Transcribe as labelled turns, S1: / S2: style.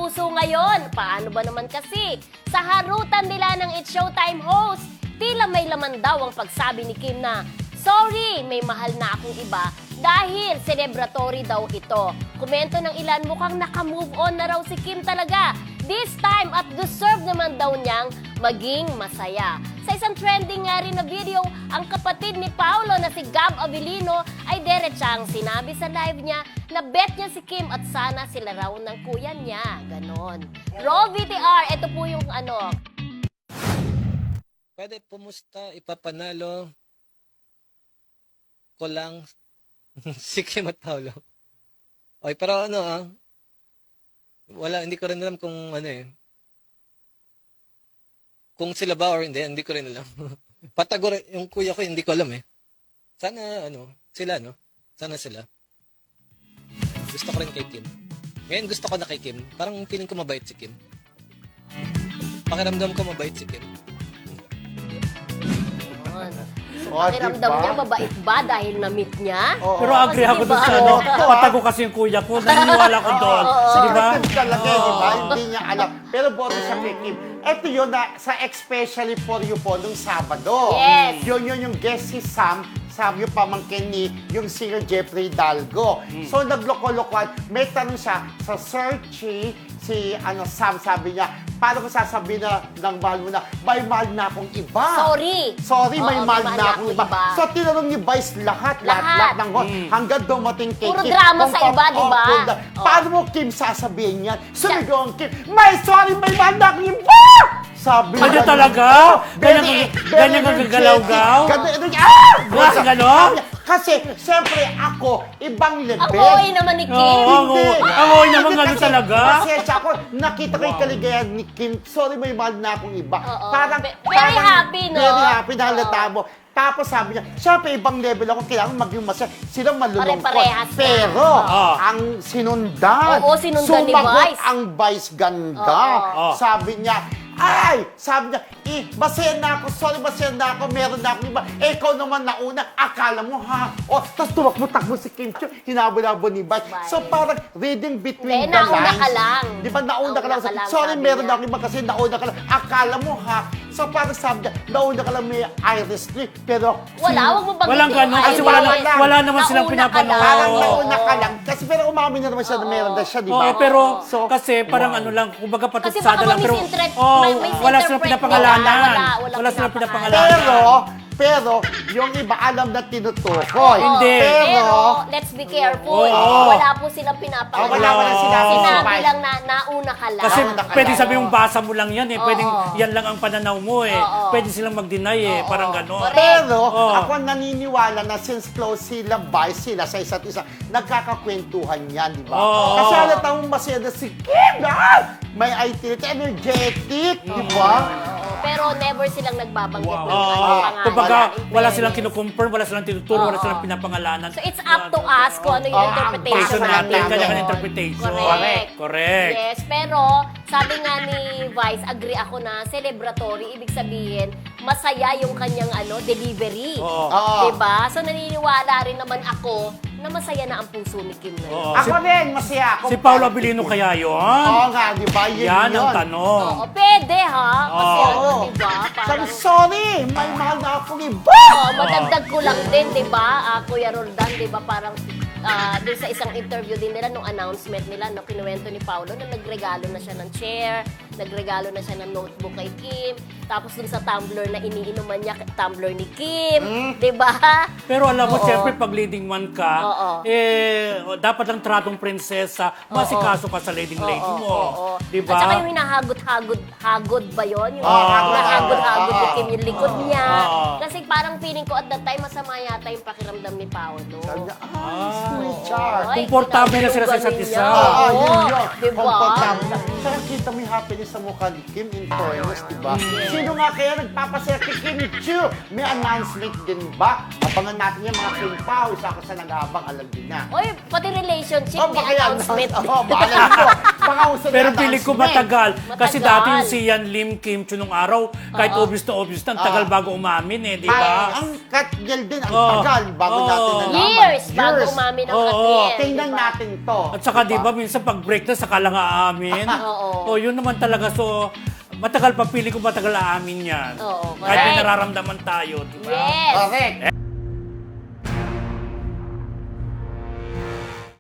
S1: puso ngayon. Paano ba naman kasi? Sa harutan nila ng It's Showtime host, tila may laman daw ang pagsabi ni Kim na, "Sorry, may mahal na akong iba," dahil celebratory daw ito. Komento ng ilan, mukhang naka-move on na raw si Kim talaga. This time at deserve naman daw niyang maging masaya. Sa isang trending nga rin na video, ang kapatid ni Paolo na si Gab Avellino ay diretsang sinabi sa live niya na bet niya si Kim at sana sila raw ng kuya niya. Ganon. Roll VTR, ito po yung ano.
S2: Pwede pumusta, ipapanalo ko lang si Kim at Paolo. Okay, pero wala, hindi ko rin alam kung kung sila ba or hindi ko rin alam. Patagor, yung kuya ko, hindi ko alam eh. Sana, sila, Sana sila. Gusto ko rin kay Kim. Ngayon gusto ko na kay Kim. Parang feeling ko mabait si Kim. Pakiramdam ko mabait si Kim.
S1: Pakiramdam niya, mabait ba dahil na-meet niya?
S3: Pero agree ako doon sa patago kasi yung kuya ko. Naniniwala ko doon. Diba?
S4: Secretive talaga, diba? Hindi niya alam. Pero boto siya kay Kim. Ito yun na sa Especially For You po nung Sabado.
S1: Yes.
S4: Yun yung guest si Sam, sabi yung pamangkin ni yung singer Jeffrey Dalgo. So nagloko-lokohan, may tanong siya sa searchy, si Sam, sabi niya, paano ko sasabihin na ng mahal mo na, may mahal na akong iba. Sorry, may
S1: Oo,
S4: mahal na akong iba. So tinanong ni Vice lahat ng host, hanggang dumating kay
S1: Puro
S4: Kim.
S1: drama sa iba, di ba?
S4: Paano mo, Kim, sasabihin yan? Sumigaw ang Kim, may mahal na akong iba! Sabi
S3: Kanya
S4: niya,
S3: talaga? Ganyan ang gagalaw-gaw? Ganon?
S4: Kasi, siyempre, ako, ibang level.
S1: Ang OA naman ni Kim.
S3: Oo, ang OA naman gano'n talaga.
S4: Pasensya ako, nakita ko yung kaligayahan ni Kim. Sorry, may mahal na akong iba.
S1: Very happy, no?
S4: Very happy, nahalata mo. Tapos sabi niya, siyempre, ibang level ako, kailangan maging masaya. Sila malulungkot.
S1: Pare-parehas na.
S4: Pero, ang sinundan,
S1: Oo, sinundan ni
S4: sumagot
S1: Vice.
S4: ang Vice ganda. Sabi niya, sabi niya, masaya na ako, sorry, masaya na ako, meron na akong iba. Ikaw naman nauna, akala mo ha. Tapos tumakbo si Kim Chiu, hinabo-labo ni Vice. So parang reading between the lines.
S1: Nauna ka lang.
S4: Di ba, nauna ka lang. Sorry, meron na akong iba kasi nauna ka lang. Akala mo ha. So parang sabi niya, nauna ka lang may iris tree, pero...
S1: Wag mo banggitin.
S3: Walang ganun kasi wala naman silang pinapanood.
S4: Parang nauna ka lang. Kasi pero umamin na naman siya na meron na siya, di ba?
S3: Oo, pero kasi parang lang, kumbaga patutsada lang. Pero wala silang pinapangalanan. Wala silang pinapangalanan.
S4: Pero, yung iba alam na tinutukoy.
S3: Hindi.
S1: Pero, let's be careful. Wala po silang pinapangalanan.
S4: Wala sinabi.
S1: Sinabi lang na nauna ka lang.
S3: Kasi pwede sabi yung basa mo lang yan eh. Pwedeng yan lang ang pananaw mo eh. Pwede silang mag-deny eh. Parang gano'n.
S4: Pero, ako naniniwala na since close sila, Vice sila sa isa't isa, nagkakakwentuhan yan, di ba? Kasi halata mong masaya na si Kim, may IT, energetic, di ba?
S1: Pero never silang nagbabanggit ng pangalan.
S3: Kumbaga, wala silang kinukumpirm, wala silang tinuturo, wala silang pinapangalanan.
S1: So it's up to us kung ano yung interpretation
S3: natin.
S1: natin.
S3: Kanya-kanya interpretation. Correct.
S1: Yes, pero sabi nga ni Vice, agree ako na celebratory, ibig sabihin, masaya yung kanyang delivery. Diba? So naniniwala rin naman ako na masaya na ang puso ni Kim na yun.
S4: Ako rin, masaya ako.
S3: Si Paolo Avellino kaya yun?
S4: Oo nga, di ba?
S3: Yan ang tanong.
S1: Oo, pwede ha? Kasi diba?
S4: Sabi,
S1: Parang,
S4: sorry, may mahal na akong iba.
S1: madagdag ko lang din, diba? Kuya Roldan, diba? Parang doon sa isang interview din nila, nung announcement nila, no, kinuwento ni Paolo na nagregalo na siya ng chair, nagregalo na siya ng notebook kay Kim, tapos dun sa tumbler na iniinuman niya, tumbler ni Kim, di ba?
S3: Pero alam mo, siyempre, pag leading man ka, dapat lang tratong prinsesa, masikaso ka sa leading lady mo. Di ba?
S1: At saka yung hinahagod ba yun? Yung hinahagod-hagod ni Kim yung likod niya. Kasi parang feeling ko at that time, masama yata yung pakiramdam ni Paolo.
S4: Sabi niya, sweetheart.
S3: Komportable na sila sa isa't isa.
S4: Yun.
S1: Diba?
S4: Komportable na. Saka kita mo yung happiness sa mukha ni Kim in fairness, diba? Sino nga kaya nagpapasaya kay Kim Chiu? May announcement din ba? Abangan natin yung mga Kim Pao. Isa ako sa nag-aabang, alam din na.
S1: Oy, pati relationship, may
S4: baka yan.
S1: announcement.
S4: Baka Baka uso na
S3: Pero piling ko
S4: announcement.
S3: matagal. Kasi
S1: Matagal.
S3: dati yung si Yan Lim Kim Chu nung araw, kahit obvious na obvious na, ang tagal bago umamin eh, di ba?
S4: Ang Katniel din, ang
S3: Oo.
S4: tagal bago
S3: Oo.
S4: natin nalaman.
S1: Years bago umamin ang
S3: Oo.
S1: Katniel.
S4: Tingnan
S1: diba?
S4: natin to.
S3: At saka di ba minsan pag break na saka lang aamin.
S1: Oo.
S3: O yun naman talaga. So, matagal pa, pili ko matagal aamin yan.
S1: Oo,
S3: Kahit may
S1: correct.
S3: nararamdaman tayo, di ba?
S1: Yes.
S4: Correct.